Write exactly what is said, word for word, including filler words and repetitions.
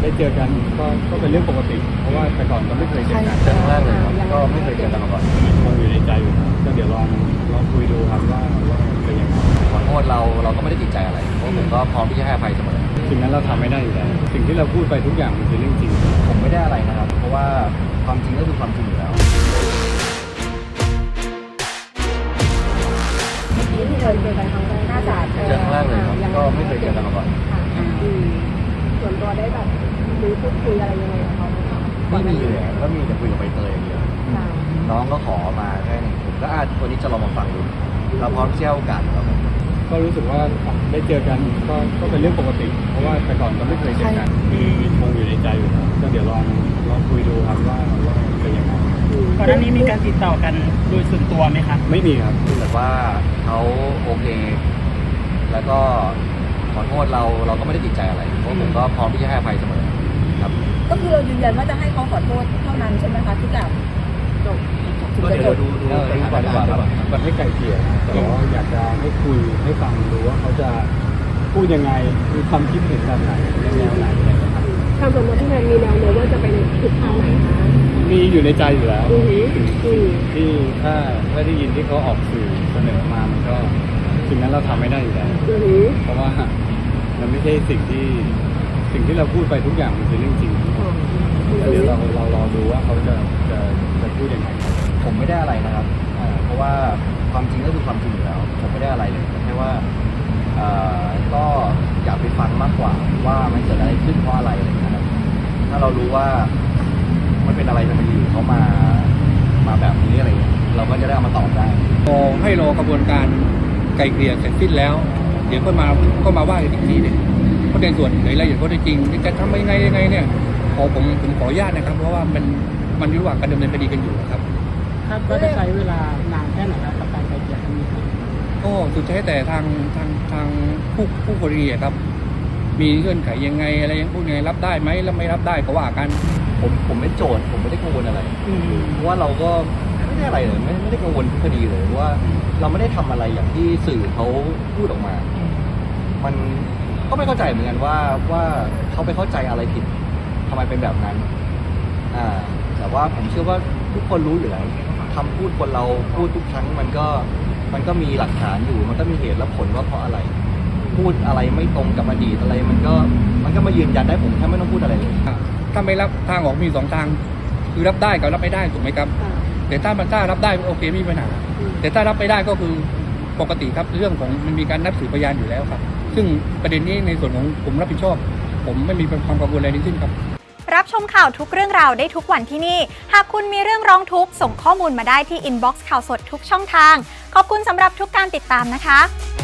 ได้เจอกันก็ก็เป็นเรื่องปกติเพราะว่าแต่ก่อนเราไม่เคยเจอกันเจอครั้งแรกเลยครับก็ไม่เคยเจอกันมาก่อนคงอยู่ในใจอยู่ครับก็เดี๋ยวลองลองคุยดูครับว่าว่าเป็นยังไงขอโทษเราเราก็ไม่ได้ติดใจอะไรเพราะผมก็พร้อมที่จะให้อภัยเสมอสิ่งนั้นเราทำไม่ได้อยู่แล้วสิ่งที่เราพูดไปทุกอย่างมันคือเรื่องจริงผมไม่ได้อะไรนะครับ เพราะว่าความจริงก็คือความจริงอยู่แล้วที่เคยเจอกันครั้งแรกน่าจะเจอครั้งแรกเลยครับก็ไม่เคยเจอกันมาก่อนส่วนตัวได้แบบรู้พูดคุยอะไรยังไงกับเขาไหมคะไม่มีเลยก็มีแต่คุยกับใบเตยอย่างเดียวน้องก็ขอมาแค่นี้ผมก็อาจวันนี้จะลองมาฟังดูเราพร้อมที่จะให้โอกาสครับผมก็รู้สึกว่าได้เจอกันก็ก็เป็นเรื่องปกติ เพราะว่าแต่ก่อนเราไม่เคยเจอกันคือคงอยู่ในใจอยู่ครับก็เดี๋ยวลองลองคุยดูครับว่าว่าเป็นยังไงก่อนหน้านี้มีการติดต่อกันโดยส่วนตัวไหมครับไม่มีครับแบบว่าเขาโอเค แล้วก็ขอโทษเราเราก็ไม่ได้ติดใจอะไรเพราะผมก็พร้อมที่จะให้อภัยเสมอครับก็คือเรายืนยันว่าจะให้เขาขอโทษเท่านั้นใช่ไหมคะทุกอย่างจบก็เดี๋ยวเราดูดูเออสดูถานก่อนดีการกว่าณ์คก่รัอบ นมันให้ไกลเกลี่ยแต่ว่าอยากจะให้คุยให้ฟังดูว่าเขาจะพูดยังไงมีความคิดเห็นแบบไหนในแนวไหนอะไรอย่างเงี้ยครับทางสมมติที่แมนมีแนวโน้มว่าจะไปทิศทางไหนคะมีอยู่ในใจอยู่แล้วอือหืออือที่ถ้าถ้าได้ยินที่เขาออกสื่อเสนอมามันก็สิ่งนั้นเราทำไม่ได้อยู่แล้วอือหือเพราะว่ามันไม่ใช่สิ่งที่สิ่งที่เราพูดไปทุกอย่างมันคือเรื่องจริงแล้วเดี๋ยวเราเรารอดูว่าเขาจะจะจะพูดยังไงครับผมไม่ได้อะไรนะครับอ่าเพราะว่าความจริงก็คือความจริงอยู่แล้ว ผมไม่ได้อะไรเลยแต่แค่ว่าเอ่อก็อยากไปฟังมากกว่าว่ามันเกิดอะไรขึ้นเพราะอะไรอะไรอย่างเงี้ยครับถ้าเรารู้ว่ามันเป็นอะไรทำไมอยู่เขามามาแบบนี้อะไรเงี้ยเราก็จะได้เอามาตอบได้รอให้รอกระบวนการไกลเกลี่ยเสร็จสิ้นแล้ว เดี๋ยวก็มาก็มาว่ากันอีกทีหนึงเพราะในส่วนในรายละเอียดข้อเท็จจริงจะทำยังไงยังไงเนี่ยขอผมผมขออนุญาตนะครับ เพราะว่ามันมันอยู่ระหว่างการดำเนินคดีกันอยู่ครับคาดว่าจะใช้เวลานานแค่ไหนครับกับการไกลเกลี่ยครั้งนี้ครับก็สุดท้ายแต่ทางทางทางผู้ผู้กรณีอะครับ มีเงื่อนไขยังไงอะไรยังพูดยังไงรับได้ไหมแล้วไม่รับได้ก็ว่ากันผมผมเป็นโจทย์ผมไม่ได้กังวลอะไรเพราะว่าเราก็ไม่ได้อะไรเลยไม่ไม่ได้กังวลทุกคดีเลยเพราะว่าเราไม่ได้ทำอะไรอย่างที่สื่อเขาพูดออกมา มันก็ไม่เข้าใจเหมือนกันว่าว่าเขาไปเข้าใจอะไรผิดทำไมเป็นแบบนั้นอ่าแต่ว่าผมเชื่อว่าทุกคนรู้อยู่แล้วคำพูดคนเราพูดทุกครั้งมันก็มันก็มีหลักฐานอยู่ มันก็มีเหตุและผลว่าเพราะอะไร พูดอะไรไม่ตรงกับอดีตอะไร มันก็มันก็มายืนยันได้ผมแค่ไม่ต้องพูดอะไรเลยถ้าไม่รับทางออกมีสองทาง คือรับได้กับรับไม่ได้ถูกไหมครับ แต่ถ้ามันถ้ารับได้โอเคไม่มีปัญหาแต่ถ้ารับไม่ได้ก็คือปกติครับเรื่องของมันมีการนัดสืบพยานอยู่แล้วครับ ซึ่งประเด็นนี้ในส่วนของผมรับผิดชอบ ผมไม่มีความกังวลอะไรทั้งสิ้นครับรับชมข่าวทุกเรื่องราวได้ทุกวันที่นี่ หากคุณมีเรื่องร้องทุกข์ส่งข้อมูลมาได้ที่อินบ็อกซ์ข่าวสดทุกช่องทาง ขอบคุณสำหรับทุกการติดตามนะคะ